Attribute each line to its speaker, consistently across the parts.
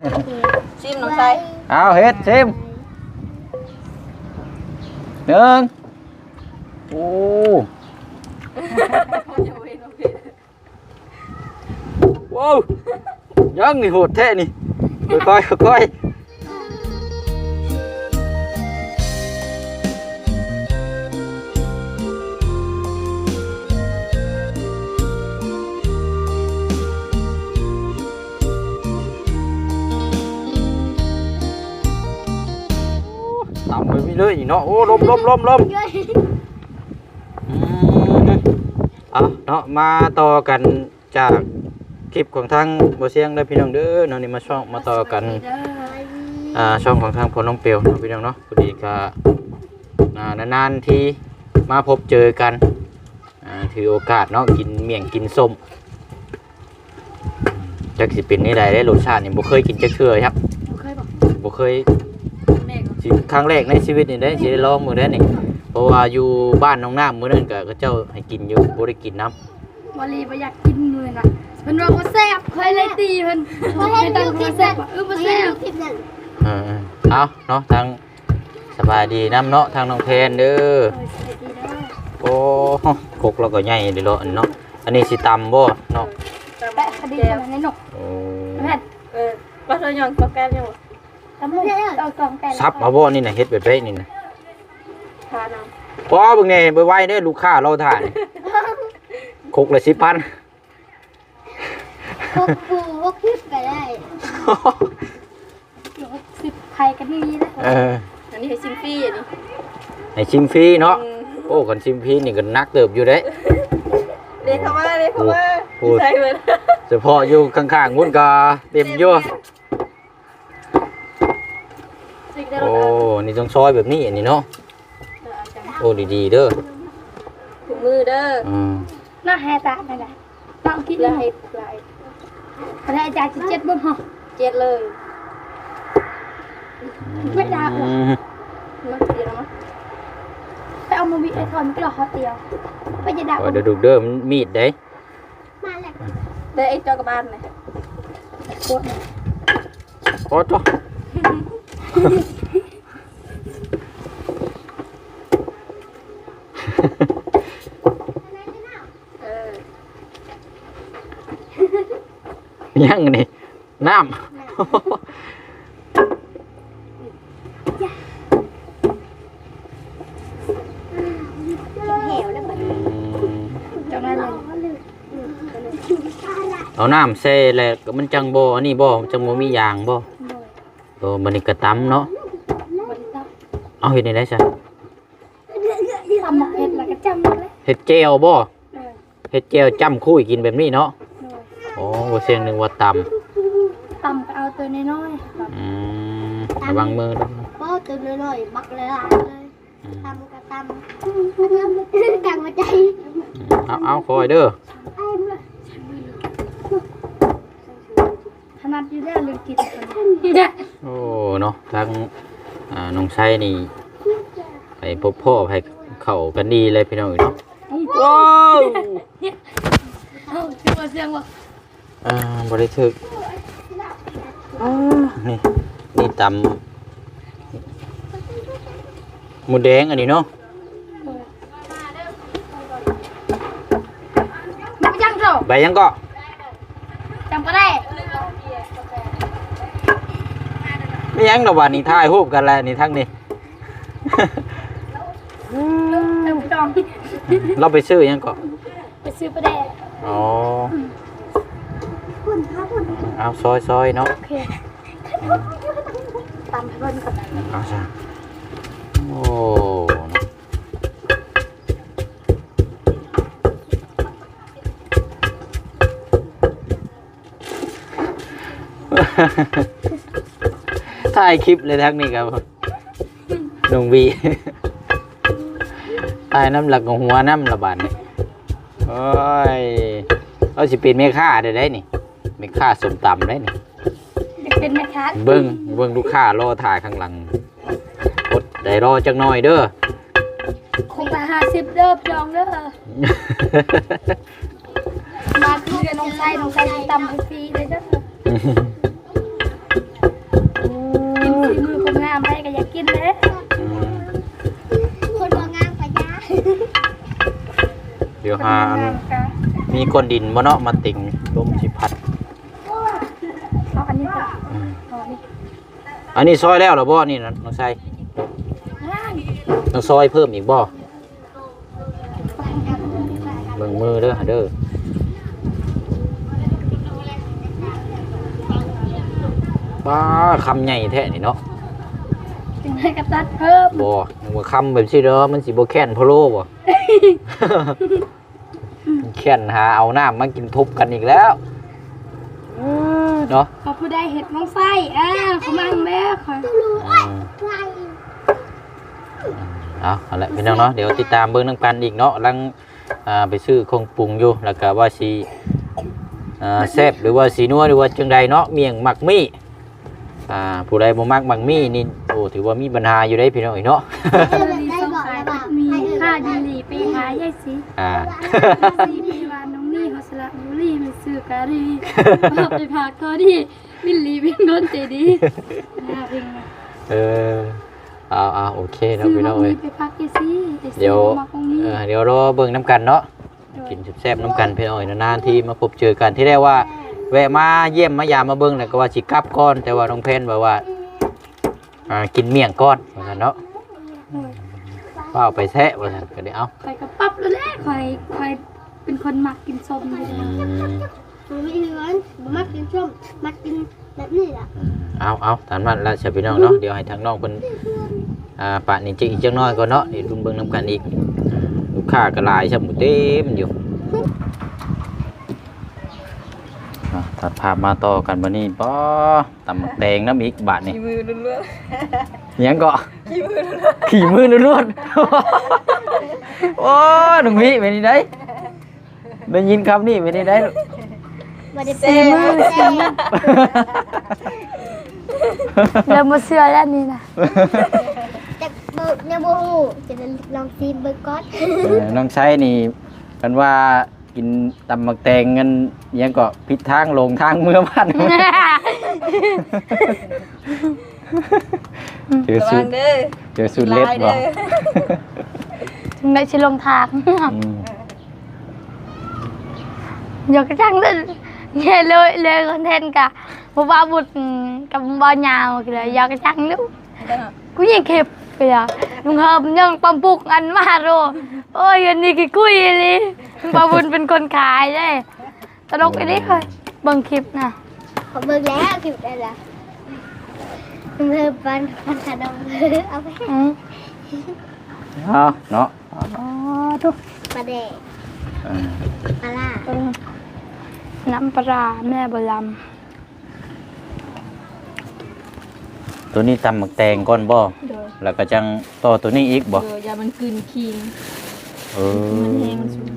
Speaker 1: ชิมน้องชาย
Speaker 2: เอาเฮ็ดชิมหนึ่งโอ้ว้าวยังนี่โหดแท้นี่ค่อยๆค่อยๆตำไปเรื่อยๆเนาะโอ้ลมเอาเนาะมาต่อกันจากคลิปของทางบ่เสียงได้พี่น้องเด้อเนาะนี่มาต่อกันช่องของทางพลน้องเปียวเนาะพี่น้องเนาะพอดีก็นานๆที่มาพบเจอกันถือโอกาสเนาะกินเมี่ยงกินส้มจักสิเป็นนี่ได้รสชาตินี่บ่เคยกินจักเทื่อครับบ่เคยครั้งแรกในชีวิตนี่ได้สิได้ลองมื้อนั้นนี่เพราะว่าอยู่บ้านน้องน้ำมื้อนั้นก็เขาเจ้าให้กินอยู่บ่ได้กินน้ำ
Speaker 3: วลีบ่อยากกินมื้อน่ะเพิ่นว่าบ่แซ่บเคยเลยตีเพิ่นไม่ตั้งบ่แซ่บบ่แซ่บ
Speaker 2: เอาเนาะทางสบายดีน้ำเนาะทางน้องเพนเด้อโอ้กกเราก็ใหญ่เด้อเนาะอันนี้สิตำบ่เนาะ
Speaker 3: แปะคดีกันในนก
Speaker 2: โอ้
Speaker 3: แม่น
Speaker 1: ปลาทอดยองปลาแก้วยัง
Speaker 3: ตำมุกเอากองแปะ
Speaker 2: ซับเอาบ่นี่น่ะเฮ็ดแบบนี้นี่น่ะ
Speaker 1: ทานน้
Speaker 2: พอเบิ่งแน่ไวๆเด้อลูกค้าเราถ่านกกละ 10,000
Speaker 3: พวกปูพวกคลิปก็ได้10ไข่กันนี่นะ
Speaker 1: ำอันนี้ให้ชิมฟรีอันนี้
Speaker 2: ให้ชิมฟรีเนาะโอ้คันชิมฟรีนี่ก็นักเติบอยู่เด้
Speaker 1: เด็กเข้ามาใช่เหมือน
Speaker 2: เฉพาะอยู่ข้างๆมุ่นก็เต็มอยู่โอ้นี่ต้องซอยแบบนี้อันนี้เนาะโอ้ดีๆเด้อ
Speaker 1: ถุงมือเด้อ
Speaker 3: น่าแฮตานั่นแหละต้องคิด
Speaker 1: แล้ว
Speaker 3: เลย
Speaker 1: ให้ปลาย
Speaker 3: พระอาจารย์จะ7บ่ฮะ
Speaker 1: เจ็ดเลย
Speaker 3: ไม่ได้หรอก
Speaker 1: มาเดี๋ยวมา
Speaker 3: ไปเอามาวิไอทอนมันก็รอเขาเตียวไปจะดัก
Speaker 2: โอ้เดี๋ยวดูเด้อมันมีดเด้
Speaker 3: มาแหละ
Speaker 1: ได้ไอ้เจ้ากระบาลไหม
Speaker 3: โคตร
Speaker 2: โอ้จ้ะ ยังนี่น้ำ
Speaker 3: เหวแล้วมันจังไรเลย
Speaker 2: เอาน้ำเซ่แล้วก็มันจังบ่อันนี้บ่จังบ่มียางบ่โอ้มันนี่กระตำเนาะเอาเฮ็ดได้ซะ
Speaker 3: ทำหมกเห็ดแล้วก็จำเลย
Speaker 2: เฮ็ดแจ่วบ่เฮ็ดแจ่วจ้ำคุยกินแบบนี้เนาะโอ้บ่เสียงนึงว่าตำ
Speaker 3: ตำก็เอาตัวน้อยๆ
Speaker 2: ระวังมือด้วย
Speaker 3: ก็ตัวน้อยๆบักเลยเลยตำก็ตำกังมาใจ
Speaker 2: เอาคอยเด้อ
Speaker 3: ถนัดอยู่แล้วลืมกิน
Speaker 2: โอ้เนาะทางน้องไส้นี่ไปพบพ่อไปเข้ากันดีเลยพี่น้องเนาะว้าว
Speaker 3: ชื่อว่าเสียงว่า
Speaker 2: บริถึกนี่ตำหมูแดงอันนี้เนาะ
Speaker 3: จังโจ้
Speaker 2: ใบยังก็
Speaker 3: จำก็ได้
Speaker 2: ไม่ยังดอกว่านี่ถ่ายรูปกันแล้วนี่ทั้งนี้
Speaker 3: เติมจอง
Speaker 2: เราไปซื้อยังก็
Speaker 3: ไปซื้อประเดะ
Speaker 2: อ๋อเอาซอยเนาะ
Speaker 3: โอเคตำให้เพิ่นก่อน
Speaker 2: เอาซะโอ้ถ่ายคลิปเลยทั้งนี้ครับน้องวีถ่ายน้ำหลักของหัวน้ำระบาดนี่โอ้ยเอาสิเป็นแม่ค้าได้นี่แม่ค้าสมตำได้นี่
Speaker 3: เป็นแม่ค้า
Speaker 2: เบิ้งลูกค้ารอถ่ายข้างหลังอดได้รอจักหน่อยเด้อ
Speaker 3: คงละ50เด้อจองเด้อมาคือกับน้องไส้ตำให้ฟรีเลยเด้อามไปก็อยากกินเด้
Speaker 2: อืม
Speaker 4: คนบ่งามปะยะ
Speaker 2: เดี๋ยวหาอันมีก้อนดินบ่เนาะมาติ่งลมสิพัด
Speaker 3: เอาอันนี้ก่อน
Speaker 2: อืม
Speaker 3: เอาอันนี้
Speaker 2: อันนี้ซอยแล้วเหรอบ่นี่นะน้องไส้ต้องซอยเพิ่มอีกบ่เบิ่งมือเด้อเด้อป้าคำใหญ่แท้นี่เนาะ
Speaker 3: จึงให้กระตัดเพิ่ม
Speaker 2: บ่นึกว่าคำแบบซี่เด้อมันสิบ่แค้นพะโล้บ่ แค้นหาเอาน้ำมากินทุบกันอีกแล้วเนาะ
Speaker 3: พอผู้ใดเห็ดน้องไส้เขามาแม่คอย
Speaker 2: อืมเอาละพี่น้องเนาะเดี๋ยวติดตามเบิ่งนำกันอีกเนาะกำลังไปซื้อของปรุงอยู่แล้วก็ว่าสิแซ่บหรือว่าสีนัวหรือว่าจังใดเนาะเมี่ยงหมักมี่ผู้ใดบ่มักหมักมี่นี่โอ้ถือว่ามีปัญหาอยู่ได้พี่น้องอีกเนาะ
Speaker 3: ดีสงขายมีค่าดีหลีไปหายายสิ สีปีวานน้องนี่เขาสละบุรีมันซื้อกะรีเอาไปพากเขาดิมิลลีเป็นโดนเจดีน่าเพ่งนะ
Speaker 2: เอาโอเคเนาะ
Speaker 3: ซื้อ
Speaker 2: พี่
Speaker 3: มา
Speaker 2: น้อง
Speaker 3: มี
Speaker 2: เอ้ย
Speaker 3: ไปพักเจซี่
Speaker 2: เดี๋ยว
Speaker 3: มาตรงนี้
Speaker 2: เดี๋ยวรอเบิ่งน้ำกันเนาะกินแซ่บๆน้ำกันพี่น้องเอ้ยนานๆที่มาพบเจอกันที่แรกว่าแวะมาเยี่ยมมายามมาเบิ่งแล้วก็ว่าสิกลับก่อนแต่ว่าน้องเพนบอกว่ากินเมี่ยงก่อนว่าซั่นเนาะว่าเอาไปแทะว่าซั่นก็ได้เอา
Speaker 3: คอยกระปั๊บแล้วแหละคอยเป็นคนมักกินส้มเลย
Speaker 2: อืม
Speaker 4: มันไม่ถึงนั้นบ่มักกินส้มมักกินแบบนี้ล่ะ
Speaker 2: เอาตามนั้นละสิพี่น้องเนาะเดี๋ยวให้ทางน้องเพิ่นปะนี่จิอีกจักหน่อยก่อนเนาะนี่รุ่นเบิ่งน้ำกันอีกลูกค้าก็หลายซะหมดเต็มอยู่ตัดภาพมาต่อกันบัดนี้ป้อตำบักแดงน้ำอีกบาทนี่
Speaker 1: ขี่มือล้วน
Speaker 2: ยังก็
Speaker 1: ๆขี่มือล้วน
Speaker 2: ขี่มือล้วนๆ โอ้หนุ่มพี่เป็นนี่ได้ได้ยินคำนี้เป็นนี่ได้
Speaker 4: บ่ได้
Speaker 1: ๆ
Speaker 4: เป็น
Speaker 1: มือ
Speaker 3: เริ่มมาเชื่อแล้วนี่นะ
Speaker 4: แต่บ่ยังบ่ฮู้จะลองซีเบิ่งก่อน
Speaker 2: น้องใช้นี่กันว่ากินตำมักแตงกันยังก็ผิดทางลงทางเมื่อบ้านเจอ
Speaker 1: ระ
Speaker 2: สุ
Speaker 1: วั
Speaker 2: ด
Speaker 1: งเด้อ
Speaker 2: เจอสุดเล็บบ่
Speaker 3: ถึงได้ชิลงทาง
Speaker 2: อืม
Speaker 3: อยากจังเลยเนี่ยเลยคอนเทนต์กะบ่ว่าบุตรกับบ่ยาวกันเลยอยากจังลูกกูยังเข็บไปอ่ะลุงเฮิมยังปั๊มปุกอันมาโรโอ้ยอันนี้กี่คุยเลยลุงปาบุญเป็นคนขายได้ตลกอันนี้เคยเบิ่งคลิปนะ
Speaker 4: ขอเบิ่งแล้วคลิปได้ละเพิ่มปันขนมเอาไป
Speaker 2: เอาเนาะ
Speaker 3: อ๋อทุก
Speaker 4: ปลาแดก
Speaker 2: เออ
Speaker 4: ปลาล่า
Speaker 3: น้ำปลาแม่บล
Speaker 2: ตัวนี้ตำมักแตงก่อนบ่แล้วก็จังต่อตัวนี้อีกบ่
Speaker 1: อย่ามันกลืนคิง
Speaker 2: เออ
Speaker 1: มันแห้งมันสุก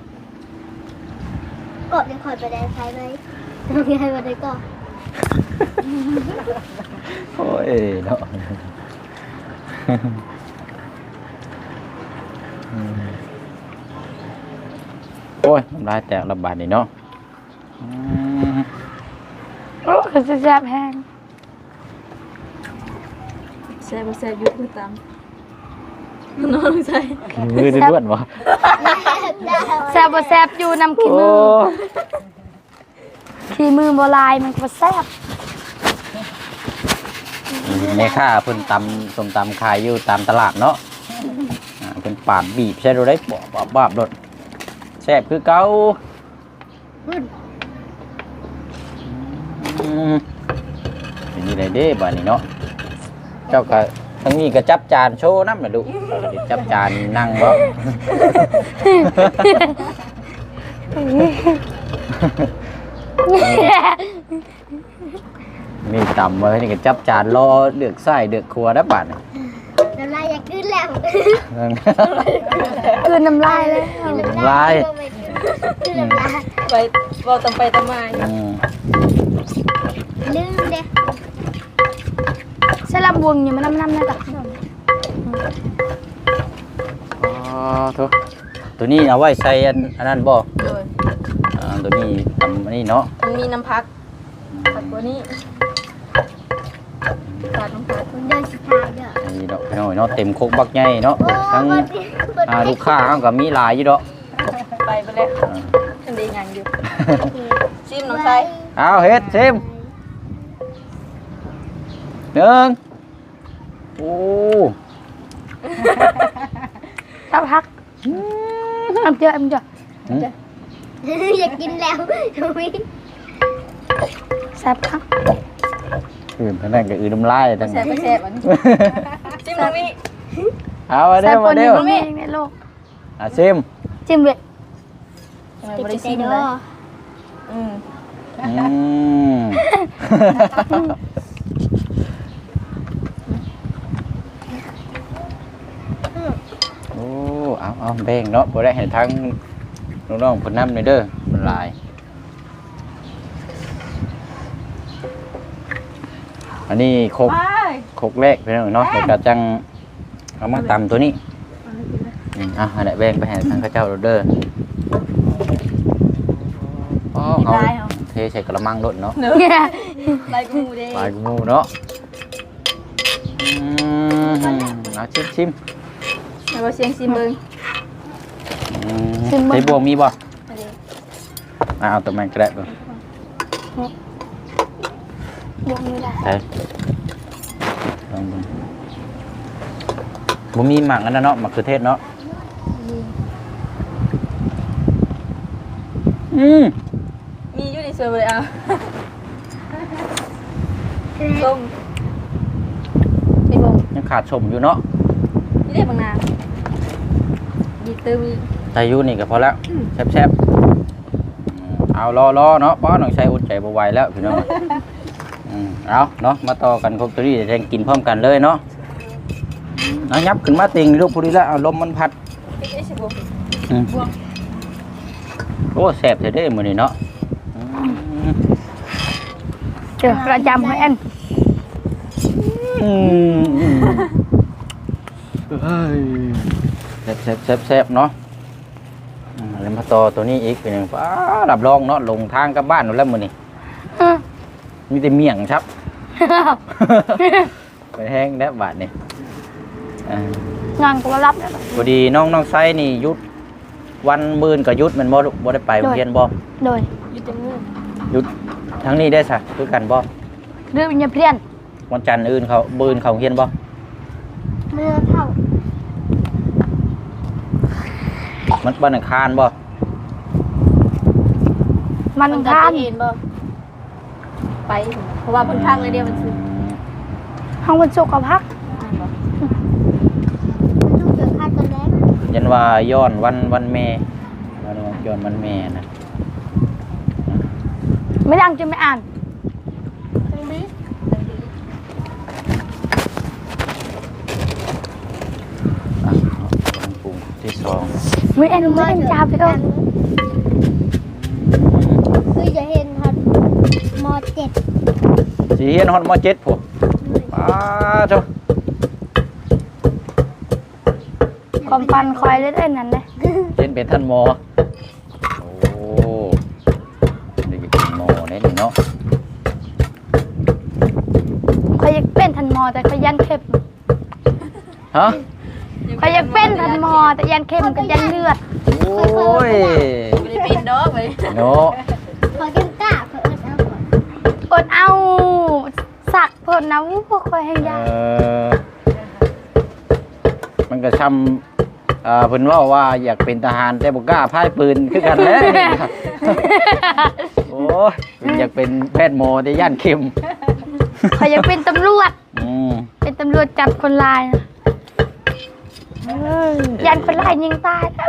Speaker 4: กดยังคอยปลาแดกใช้ไหมต้องให้ปลาแดกก่อน
Speaker 2: โอ้ยเนาะโอ้ยน้ำลายแตกระบาดนี่เนาะ
Speaker 3: ำโอ้คือจะแซ่บแห้ง
Speaker 1: แซ่บแซ่บยุบคือตามน้องใส่
Speaker 2: มือล้วนๆวะ
Speaker 3: แซ่บบ่แซ่บอยู่น้ำขี้มือขี้มือโบราณมันก็แซ่บ
Speaker 2: แม่ค้าเพิ่นตำส้มตำขายอยู่ตามตลาดเนาะเพิ่นปาดบีบใช่ดูได้บาบรถแซ่บคือเก่าเป็นนี่ได้เด้บ้านนี้เนาะเจ้าก็ทั้งนี้ก็จับจานโชว์น้ำน่ะดูจับจานนั่งบ่ มีตำมานี่ก็จับจานรอเดือกไส้เดือกครัวได้บาดนี่
Speaker 4: น้ำลายอยากขึ้นแล้ว
Speaker 3: คือน้ำลายเลย
Speaker 2: ลาย
Speaker 4: ขึ้นน้ำลาย
Speaker 1: ไปเราตำไปตำมา
Speaker 4: ลืมเด้
Speaker 3: ใช่ลำวงอยู่มันน้ำนะจ๊ะ
Speaker 2: อ๋อโถตัวนี้เอาไว้ใส่อันนั้นบ่
Speaker 1: โดย
Speaker 2: ตัวนี้ตำอันนี้เนาะ
Speaker 1: มันมีน้ำพักผักตัวนี้ใส่ดน้องพัด
Speaker 4: เดินสุดท้ายเด้อ
Speaker 2: นี่ดอกพี่น้อยเนาะเต็มโคกบักใหญ่เนาะทั้งลูกค้าเขาก็มีหลายอยู่ดอก
Speaker 1: ไปเลยอันนี้ยังอยู่ชิมน้องชาย
Speaker 2: เอาเฮ็ดซิมหนึ่งโอ้
Speaker 3: สักพักem chưa
Speaker 4: อยากกินแล้วทุย
Speaker 3: สักพัก
Speaker 2: อื่นทั้งนั้นก็อื่นน้ำลายทั้ง
Speaker 1: แซ่
Speaker 2: นั้น
Speaker 1: บแซ่บอันนี้ชิมตรงนี้
Speaker 2: เอามาเด้อ
Speaker 3: สักค
Speaker 2: มาน
Speaker 3: ห
Speaker 2: เด้
Speaker 3: นึ่
Speaker 2: อง
Speaker 3: ในโลก
Speaker 2: ซิม
Speaker 3: จิ้มเลย
Speaker 1: ไม่ได้ชิม
Speaker 4: เด้
Speaker 1: เล
Speaker 4: อย
Speaker 2: อืมโอ้เอาแบ่งเนาะบ่ได้ให้ทั้งน้องๆเพิ่นนำเลยเด้อมันหลายอันนี้โคกแรกพี่น้องเนาะแล้วก็จังเอามาตำตัวนี้อันนี้แบ่งไปให้ทางข้าเจ้าเด้ออ๋อเอาเทใส่กระมังรถเนาะ
Speaker 1: เนื้อลายกูเด้
Speaker 2: ปลายงูเนาะเอาชิม
Speaker 1: แล้วก็เสียงชิมเบิ้ง
Speaker 2: ใส่บวงมีบ่เอาตัวมันก็ได้บ่
Speaker 3: บวกไม่ได้
Speaker 2: ใส่ลองดูบ่มีหมักอันนั้นเนาะหมักคือเทศเนาะ
Speaker 1: มีอยู่ในเซอร์เลยอ่ะส้มไอ้บง
Speaker 2: ยังขาดชมอยู่เนาะ
Speaker 1: นี่ได้บางนาดีตื้อมี
Speaker 2: ใส่อยู่นี่ก็พอแล้วแซ่บๆเอารอเนาะป้อน้องชายอดใจบ่ไหวแล้วพี่น้องเอาเนาะมาต่อกันครบตัวนี้จะกินพร้อมกันเลยเนาะเอายับขึ้นมาติงลูกผู้นี้ละเอาลมมันพัด
Speaker 1: ไอ้ชิบง
Speaker 2: โอ้แซ่บเด้มื้อนี้เนาะ
Speaker 3: เจอประจำให้อัน
Speaker 2: แซ่บเนาะแล้วมาต่อตัวนี้อีกเป็นหนึ่งฟ้ารับรองเนาะลงทางกลับบ้านหมดแล้วมื้อนี้มีแต่เมี่ยงครับ ไปแห้งแล้วบาดนี่
Speaker 3: งานก็รับแล้ว
Speaker 2: พอดีน้องไซนี่ยุดวันมื้นก็ยุดแมันบ่ได้ไปโรงเรียนบ่
Speaker 3: โดย
Speaker 1: อยู่ตรงนู้น
Speaker 2: ยุดทั้งนี้ได้ซะคือกันบ่
Speaker 3: เรื่องวิญญาณเพี้ยน
Speaker 2: วันจันทร์อื่นเขามื้นเขาเรียนบ่
Speaker 4: เมื่อเท่า
Speaker 2: มันวันอังคารบ่
Speaker 3: มันทาน
Speaker 1: เห็นบ่ไปเพราะว่าเพิ่นพังเลยเดียวมันซื้อ
Speaker 3: ห้องวันศุกร์กับพัก
Speaker 4: ลูกเกิดข้าตอนแรก
Speaker 2: ยันว่าย้อนวันแม่ย้อนวันแม่นะ
Speaker 3: ไม่ดังจนไม่อ่าน
Speaker 1: ตรงนี้
Speaker 2: ปรุงที่สอง
Speaker 3: ไม่อ่านจ้าไปเอ้ย
Speaker 4: คือจะเห็นฮอตม.7
Speaker 2: สีเฮียนฮอตม.7พวกป้าเจ้า
Speaker 3: ความปันคอยเล่นนั่นเลย
Speaker 2: เห็นเป็นท่านหมอโอ้นี่เป็นหมอเนี่ยเนาะ
Speaker 3: คอยอยากเป็นทันมอแต่คอยยันเข้ม
Speaker 2: ฮะ
Speaker 3: คอยอยากเป็นทันมอแต่ยันเข้มกับยันเลือด
Speaker 2: โอ้ย
Speaker 1: ไม่ได้เป็นดอกเลย
Speaker 2: เนาะ
Speaker 4: พอกินกล้าเพิ่นเอาก่อน
Speaker 3: อดเอาสักเพิ่นนะพวกคอยให้ยา
Speaker 2: มันก็ช้ำเพิ่นว่าอยากเป็นทหารแต่บ่กล้าพายปืนคือกันแหล้ว โอ้ยอยากเป็นแพทย์หมอแต่ย่านเข็ม
Speaker 3: คอยอยากเป็นตำรวจ เป็นตำรวจจับคนร้ายนะยันคนร้ายยิงตายนะ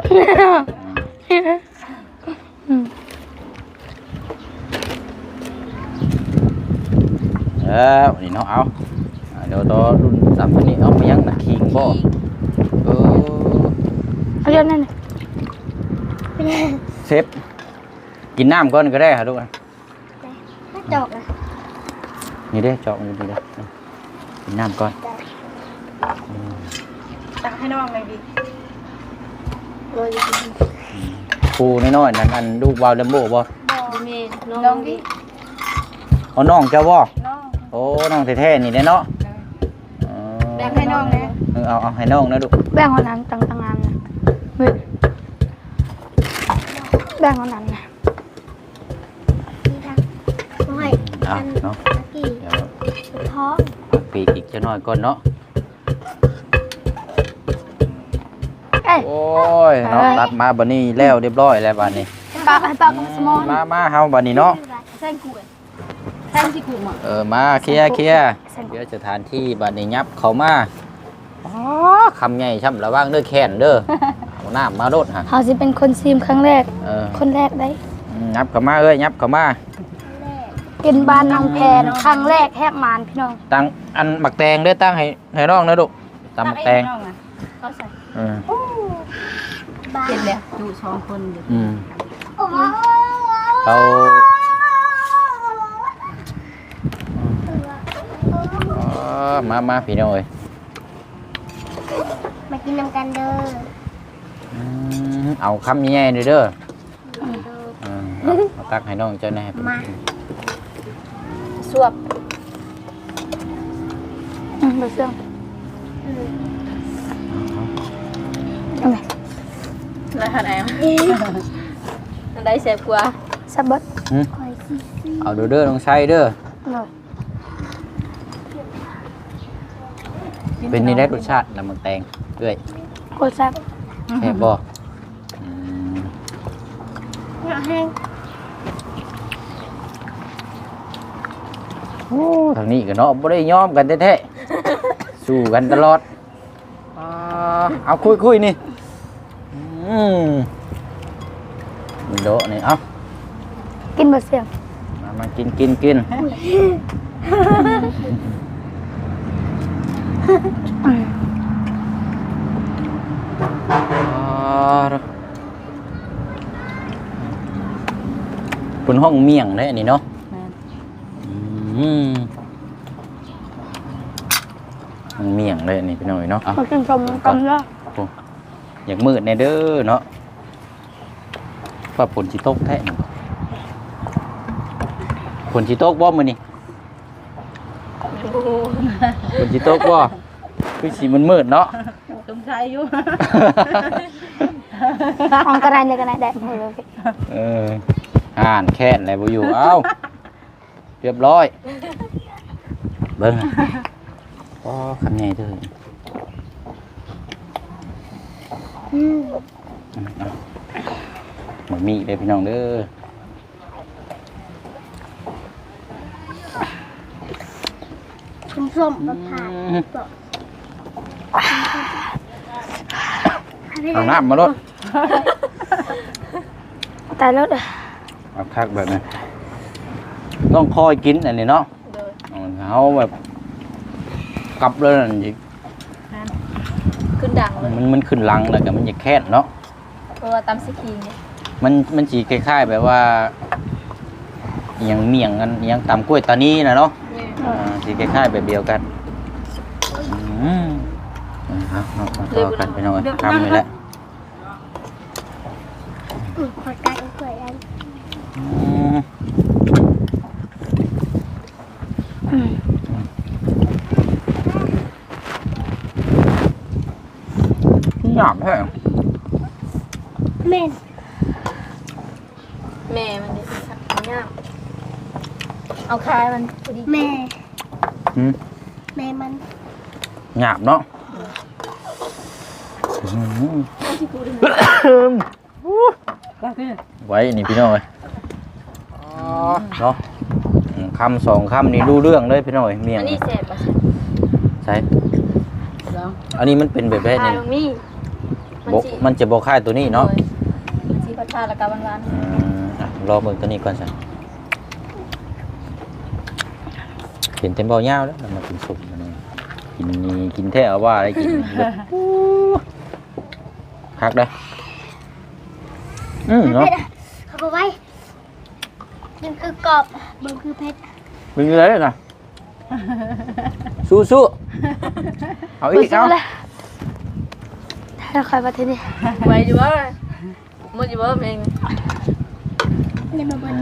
Speaker 2: วันนี้เนาะเอาเดี๋ยวต่อรุ่นตามตัวนี้เอาไปยังนะคิงบ่เออ
Speaker 3: เอาเรื่องนั้นน่ะ
Speaker 2: เซฟกินน้ำก่อนก็ได้ค่ะทุกคน
Speaker 4: ถ้าจอกอ่ะ
Speaker 2: นี่เด้จอกนี่เด้กินน้ำก่อน
Speaker 1: ตักให้น้องเลยดิ
Speaker 2: ครูน้อยๆนั่นอันลูกวาวเลมโบ้บ่
Speaker 1: ดูเมนน้องดิ
Speaker 2: เอาน้องเจ้าบ่
Speaker 1: น้อง
Speaker 2: โอ้น้องแท้ๆนี่เด้เนาะ
Speaker 1: แบ่งให้น้องนะ
Speaker 2: เอาให้น้องนะลูก
Speaker 3: แบ่งคนนั้นต่างๆนะเฮ้ยแบ่งคนนั้นนะ
Speaker 4: นี่ค่ะโอ้ย
Speaker 2: เอาเนาะ
Speaker 4: ตะกี้
Speaker 2: เดี๋ยว
Speaker 4: ท้อง
Speaker 2: ปีกอีกจะน้อยก่อนเนาะ
Speaker 3: เอ้ย
Speaker 2: โอ้ยเนาะตัดมาบัดนี้แล้วเรียบร้อยแล้วบัดนี้
Speaker 3: ปากให้ปากกับสมอง
Speaker 2: มาเฮาบัดนี้เนาะ
Speaker 1: แซงกูแซงที่กูมา
Speaker 2: มาเคลียร์เดี๋ยวสถานที่บัดนี้ยับเข้ามาอ๋อคำใหญ่ช่ำระวังเด้อแค้นเด้อเอาน้ำมาโดดฮะ
Speaker 3: เขาสิเป็นคนซีมครั้งแรก คนแรกได้
Speaker 2: ยับเข้ามาเอ้ยยับเข้ามา
Speaker 3: กินบ้านน้องแพนครั้งแรกแฮบมานพี่น้อง
Speaker 2: ตั้งอันหมักแตงเด้อตั้งให้น้องนะลูกตำหมักแตง
Speaker 1: ก็ใส่
Speaker 2: อืม
Speaker 4: บ้า
Speaker 1: เจ็บแล้วอยู่2คนอยู่
Speaker 2: อืม
Speaker 4: โอ้โห
Speaker 2: เขามาพี่น้องเอ้ย
Speaker 4: มากินน้ำกันเด้อ
Speaker 2: เอาคำใหญ่ๆหน่อยเด้อเอาตักให้น้องเจ้าแน่
Speaker 4: มา
Speaker 1: สวบ
Speaker 3: เบอร์เสื่องเอาไหม
Speaker 1: แล้วอะไรอันใดแซ่บกว่า
Speaker 3: สับเบิด
Speaker 4: คอยซิซิ
Speaker 2: เอาเด้อน้องชัยเด้อ
Speaker 3: หน่อย
Speaker 2: เป็นนี่ได้รสชาติน้ำมันแตงด้วย
Speaker 3: กดซับ
Speaker 2: แซ่บบ่
Speaker 4: อยากแห้ง
Speaker 2: โอ้ทางนี้ก็เนาะบ่ได้ยอมกันแท้ๆสู้กันตลอดเอาคุยนี่โดะนี่เอา
Speaker 3: กินเบอร์เสื่อง
Speaker 2: มากินคุณห้องเมี่ยงได้อันนี้เนาะมันเมี่ยงเลยอันนี้พี่น้อยเนาะ
Speaker 3: มากินชมกันแล้ว
Speaker 2: อยากมืดในเด้อเนาะว่าฝนสิตกแท้นี่ฝนสิตกบ่มื้อนี้ฝนสิตกบ่คือสิมันมืดเนาะ
Speaker 1: สงสัยอยู่
Speaker 3: ของกระไรเลยกระไรแดดเลย
Speaker 2: อ่านแค้นอะไรบ่อยู่เอ้าเรียบร้อยเบิ่งอ๋อคำใหญ่เด้อ หมดมีเลยพี่น้องเด้อ
Speaker 4: ส้มๆมะพร้าว
Speaker 2: เอาน้ำมาลด
Speaker 3: ตายรถ
Speaker 2: เอาคักแบบนี้ต้องคอยกินอันนี้เนาะเอาแบบกลับเลยนั่นสิ
Speaker 1: ขึ้นดังเลย
Speaker 2: มันขึ้นลังแล้วก็มันจะแค้นเนาะ
Speaker 1: เพราะว่าตำสกีเนี่ย
Speaker 2: มันสีคล้ายๆแบบว่าอหยังเมี่ยงกันอหยังตำกล้วยตานีนะเนาะสีคล้ายๆแบบเดียวกันเอามาต่อกันไปหน่อยทำเลยแหละ
Speaker 4: ขอการเกิดอัน
Speaker 2: หยาบแท้
Speaker 4: แม่
Speaker 1: แม่มันดิมันยากเอาคายมันพอดี
Speaker 4: แม่
Speaker 2: หืม
Speaker 4: แม่มัน
Speaker 2: หยาบเนาะไว้นี่พี่น้อยเนาะคำสองคำนี่รู้เรื่องเลยพี่น้อยเมียง
Speaker 1: อันนี้แซ่บป่ะ
Speaker 2: ใช่อันนี้มันเป็นแบบแบบ
Speaker 1: คาย
Speaker 2: นี้
Speaker 1: ลงนี่
Speaker 2: มันจะบอกค่ายตัวนี้เนาะ
Speaker 1: มันสีพัชแล้วก็หวาน
Speaker 2: รอเบิ่งตัวนี้ก่อนสิเห็นเต็มเบาเงาแล้วมันมากินสุกมันนี่กินแท้เอาว่าอะไรกินคักได้เนาะ
Speaker 4: เขาบอกไว้มันคือกรอบมันคือเพชร
Speaker 2: เป็นยังไงนะสู้เอาอีกเอา
Speaker 3: ถ้าใครมาที่นี่
Speaker 1: ๆไว้อยู่ว่าหมดอยู่ว่าเอง
Speaker 4: เนี่ยมาบน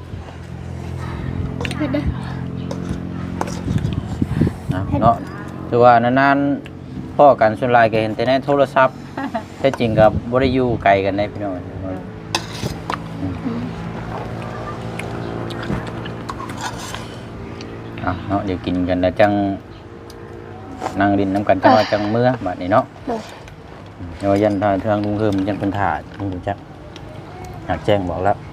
Speaker 4: เพชรเด้อ
Speaker 2: เนาะแต่ว่านานๆพ่อกันส่วนหลายก็เห็นแต่ในโทรศัพท์แท้จริงก็บ่ได้อยู่ไกลกันได้พี่น้องเนาะเดี๋ยวกินกันแล้วจังนั่งดินน้ำกันจังว่าจังเมื่อบัดนี้เนาะเดี๋ยวยันทางลุงเฮิมยันเพิ่นถ่าลุงรู้จักอยากแจ้งบอกแล้ว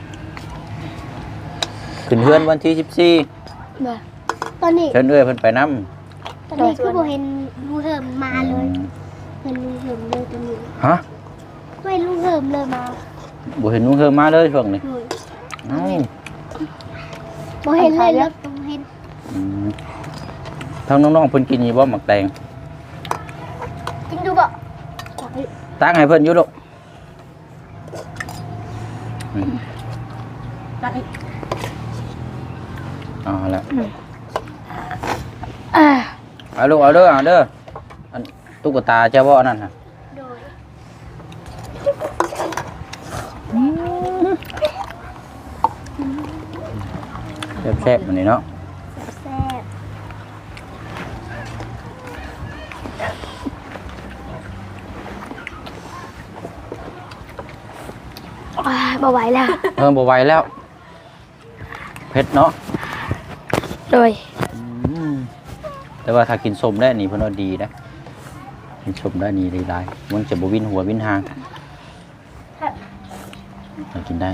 Speaker 2: ขึ้นเฮือนวันที่14
Speaker 4: ตอนนี้
Speaker 2: เชิญเอ้ยเพิ่นไปนำ
Speaker 4: ตอนนี้คือบ่เห็นลุงเหิมมาเลยเห็นลุงเหิมเลยตอนนี้
Speaker 2: ฮะ
Speaker 4: ไม่ลุงเหิมเลยมา
Speaker 2: บ่เห็นลุงเฮิมมาเลยช่วงนี้
Speaker 4: เลย
Speaker 2: เอ้า
Speaker 4: บ่เห็นเลยแล้วต้องเห็น
Speaker 2: ทางน้องๆเพิ่นกินอยู่บ่หมักแตง
Speaker 4: กินดูบ่
Speaker 2: ตักให้เพิ่นอยู่ลูก
Speaker 1: ตักอีก
Speaker 2: เอาละ
Speaker 3: อ่า
Speaker 2: เอาลูกเอาเด้ออันตุ๊กตาเจ้าบ่นั่นน่ะ
Speaker 4: โดย
Speaker 2: แซ่บๆมันนี่เนาะ
Speaker 4: แซ่บ
Speaker 3: บ่ไหวแล้ว
Speaker 2: เพิ่มบ่ไหวแล้วเผ็ดเนาะ
Speaker 3: โดย
Speaker 2: แต่ว่าถ้ากินส้มได้นี่เพิ่นว่าดีนะกินส้มได้นี่ได้หลายมันจะบ่วินหัววินหางถ้ากินได้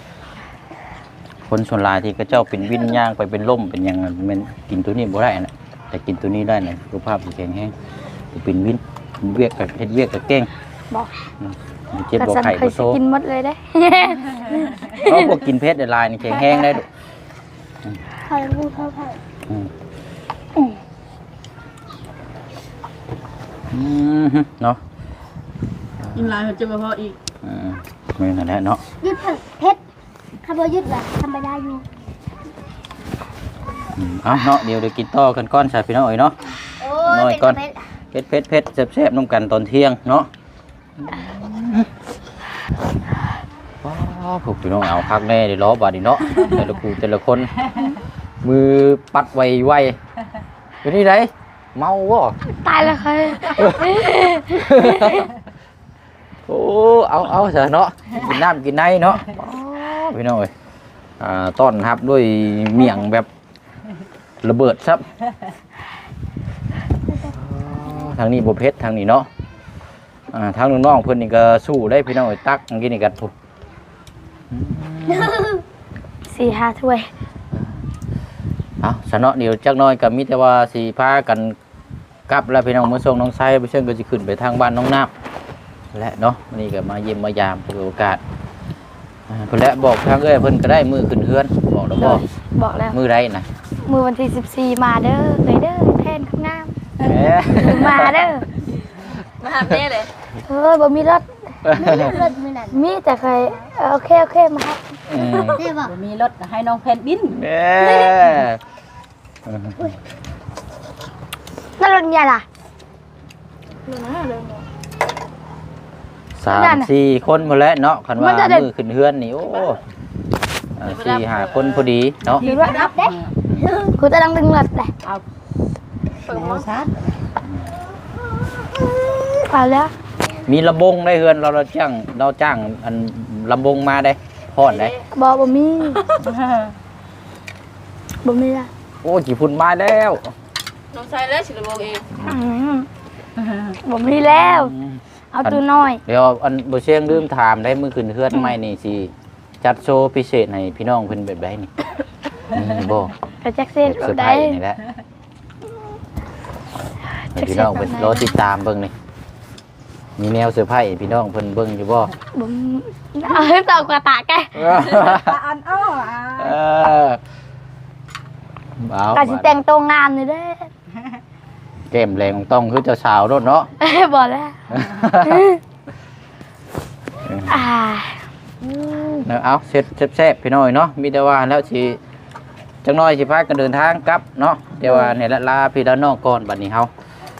Speaker 2: คนส่วนหลายที่ก็เจ้าเป็นวินย่างไปเป็นล่มเป็นหยังแม่นกินตัวนี้บ่ได้นะแต่กินตัวนี้ได้นะสุขภาพสิแข็งแรงเป็นวินเวียกกับเฮ็ดเวียกกับเก่ง
Speaker 3: บอก
Speaker 2: เจ็บบ่
Speaker 3: สัน
Speaker 2: ไข้
Speaker 3: เค
Speaker 2: บ่
Speaker 3: ย
Speaker 2: โซ
Speaker 3: กินหมดเลยได้
Speaker 2: เพราะพวกกินเผ็ดได้หลายนี่แข็งแรงได้ดุ
Speaker 4: พอลุงเข้าไป
Speaker 2: เนาะ
Speaker 1: กินหลายมันจะบ่พออีก
Speaker 2: ไม่นั่นแหละเนาะ
Speaker 4: ยึดเพชรคาร์โบยึดแบบธรรมดาอยู่
Speaker 2: เอาเนาะเดี๋ยวกินต่อกันก้อนใส่พี่น้องเอ้ยเนาะ
Speaker 4: โอ้
Speaker 2: น้อย
Speaker 4: เป็น
Speaker 2: ก่อน
Speaker 4: เพชร
Speaker 2: เผ็ดแซ่บๆน้ำกันตอนเที่ยงเนาะพวกพี่น้องเอาคักแน่เดี๋ยวล้อบาดนีเนาะแต่ละกูแต่ละคน มือปัดไวเป็นนี่ไรเมาบ่
Speaker 3: ตายแล้วค่ะ
Speaker 2: โอ้เอาเถอะเนาะกินน้ำกินในเนาะพี่น้องเอ้ยต้อนรับด้วยเมี่ยงแบบระเบิดซับทางนี้บ่เผ็ดทางนี้เนาะทางน้องๆเพิ่นนี่ก็สู้ได้พี่น้องเอ้ยตักเมื่อกี้นี่กันปุ๊บ
Speaker 3: 4-5 ถ้วย
Speaker 2: เอาสะเนาะเดี๋ยวจักหน้อยก็มีแต่ว่าสิพากันกลับแล้วพี่น้องมื้อส่งน้องไซไปเชิญก็สิขึ้นไปทางบ้านน้องน้ำและเนาะวันนี้ก็มาเยี่ยมมายามเปิดโอกาสเพิ่นและบอกทางเอ้ยเพิ่นก็ได้มือขึ้นเฮือนบอกแล้วบ่
Speaker 3: บอกแล้ว
Speaker 2: มือใดน่ะ
Speaker 3: มือวันที่14มาเด้อเลยเด้อแทนข้างหน้า
Speaker 2: แหม
Speaker 3: มาเด้อ
Speaker 1: มาหาแม่เลย
Speaker 3: บ่มีรถ
Speaker 4: ไม่เลือดมือนั่น
Speaker 3: มีแต่ใครโอเคมาครับ
Speaker 4: ได้บอก
Speaker 1: มีรถให้น้องแผ่นดิน
Speaker 2: แหม
Speaker 3: นั่นรถใหญ่ล่ะ
Speaker 2: 3-4 คนหมดแล้วเนาะคันว่ามือขึ้นเฮือนนี่โอ้4-5 คนพอดีเนาะ
Speaker 3: หรือว่า
Speaker 4: รับได้
Speaker 3: กูจะต้องดึงรถแหละ
Speaker 1: เปิดมอชาร์จ
Speaker 3: เอาแล้ว
Speaker 2: มีลำบงได้เฮือนเราจ้างอันลำบงมาได้พอดได้
Speaker 3: บ่มีบ่มีละ
Speaker 2: โอ้จีพุ่นมาแล้ว
Speaker 1: น้องชายแล้วสิระบอกเอง
Speaker 3: บ่มีแล้ว เอาตัวน้อย
Speaker 2: เดี๋ยวอันบ่เชียงลืมถามได้มื้อขึ้นเฮือนใหม่นี่สิจัดโชว์พิเศษให้พี่น้องเพิ่นแบบใดนี่นี่บ่
Speaker 3: กระจักเส้น
Speaker 2: เซอร์ไพร
Speaker 3: ได้
Speaker 2: ส์นี่แหละให้พี่น้องเพิ่นรอติดตามเบิ่งนี่มีแนวเซอร์ไพรส์ให้พี่น้องเพิ่นเบิ่งอยู่บ่
Speaker 3: บ่เอาเต่ากระตากแก
Speaker 1: อันอ้อ
Speaker 2: เออเอา
Speaker 3: กะสิแต่งตัวงามนี่เด้อ
Speaker 2: แก้มแรงต้องคือเจ้าสาวโดดเนาะ
Speaker 3: บ่แล้วอ่า
Speaker 2: เอาเสร็จแซ่บๆพี่น้อยเนาะมีแต่ว่าแล้วสิจังน้อยสิพากันเดินทางกลับเนาะแต่ว่าเนี่ยลาพี่แล้วน้องก่อนบัดนี้เฮา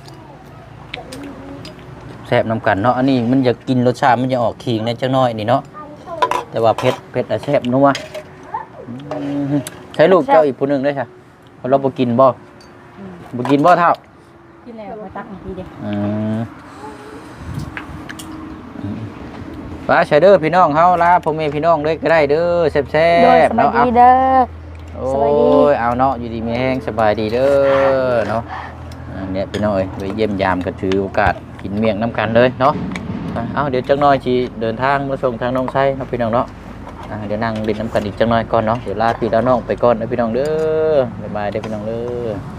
Speaker 2: แซ่บนำกันเนาะอันนี้มันอยากกินรสชาติมันจะออกขิงในจังน้อยนี่เนาะแต่ว่าเผ็ดแซ่บนัวใช้ลูกเจ้าอีกผู้หนึงได้ค่ะเพราะเราบ่กินบ่เท่า
Speaker 5: ตักบางทีเดียว
Speaker 2: ว่าใช่เด้อพี่น้องเฮาลาพ่อแม่พี่น้องเลยก็ได้เด้อแซ่
Speaker 3: โดย
Speaker 2: บ
Speaker 3: ส
Speaker 2: ๆ
Speaker 3: บาย
Speaker 2: เนาะ
Speaker 3: ดีเด้อ
Speaker 2: โอ้
Speaker 3: สบายดี
Speaker 2: ยเอาเนาะอยู่ดีมีแห้งสบายดีเด้อเนาะเนี่ยพี่น้องเอ้ยไปเยี่ยมยามก็ถือโอกาสกินเมี่ยงน้ำกันเลยเนาะเอาเดี๋ยวจักหน่อยสิเดินทางมาส่งทางน้องไส้เนาะพี่น้องเนาะเดี๋ยวนั่งเล่นน้ำกันอีกจักหน่อยก่อนเนาะเดี๋ยวลาพี่ลาน้องไปก่อนนะพี่น้องเด้อบ๊ายบายเด้อพี่น้องเด้อ